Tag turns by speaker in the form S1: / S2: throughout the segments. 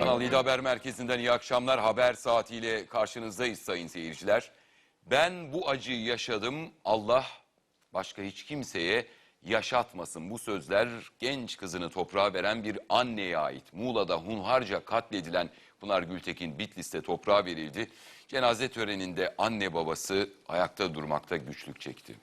S1: Kanal 7 Haber Merkezi'nden iyi akşamlar. Haber saatiyle karşınızdayız sayın seyirciler. Ben bu acıyı yaşadım. Allah başka hiç kimseye yaşatmasın. Bu sözler genç kızını toprağa veren bir anneye ait. Muğla'da hunharca katledilen Pınar Gültekin Bitlis'te toprağa verildi. Cenaze töreninde anne babası ayakta durmakta güçlük çekti.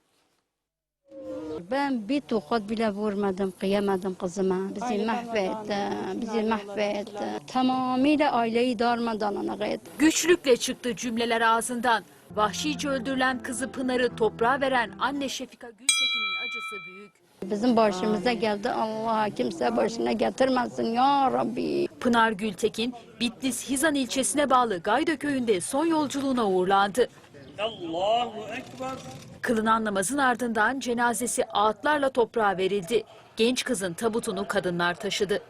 S2: Ben bir tokat bile vurmadım, kıyamadım kızıma. Bizi mahvetti. Tamamıyla aileyi darmadağın etti.
S3: Güçlükle çıktı cümleler ağzından. Vahşice öldürülen kızı Pınar'ı toprağa veren anne Şefika Gültekin'in acısı büyük.
S2: Bizim başımıza geldi, Allah kimse başına getirmesin ya Rabbi.
S3: Pınar Gültekin, Bitlis Hizan ilçesine bağlı Gayda köyünde son yolculuğuna uğurlandı. Allahu Ekber. Kılınan namazın ardından cenazesi ağıtlarla toprağa verildi. Genç kızın tabutunu kadınlar taşıdı.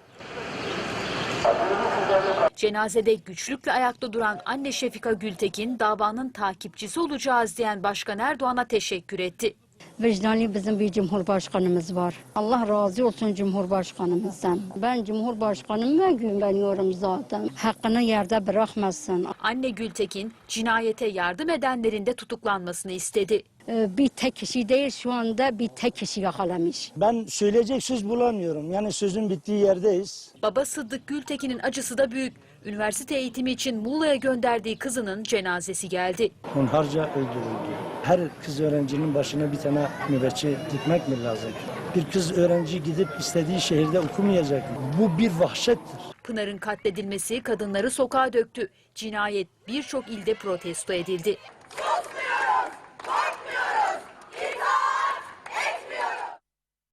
S3: Cenazede güçlükle ayakta duran anne Şefika Gültekin, davanın takipçisi olacağız diyen Başkan Erdoğan'a teşekkür etti.
S2: Vicdanlı bizim bir Cumhurbaşkanımız var. Allah razı olsun Cumhurbaşkanımızdan. Ben Cumhurbaşkanıma güveniyorum zaten. Hakkını yerde bırakmasın.
S3: Anne Gültekin, cinayete yardım edenlerin de tutuklanmasını istedi.
S2: Bir tek kişi değil, şu anda bir tek kişi yakalamış.
S4: Ben söyleyecek söz bulamıyorum. Yani sözün bittiği yerdeyiz.
S3: Baba Sıddık Gültekin'in acısı da büyük. Üniversite eğitimi için Muğla'ya gönderdiği kızının cenazesi geldi.
S4: Hunharca öldürüldü. Her kız öğrencinin başına bir tane nöbetçi dikmek mi lazım? Bir kız öğrenci gidip istediği şehirde okumayacak mı? Bu bir vahşettir.
S3: Pınar'ın katledilmesi kadınları sokağa döktü. Cinayet birçok ilde protesto edildi.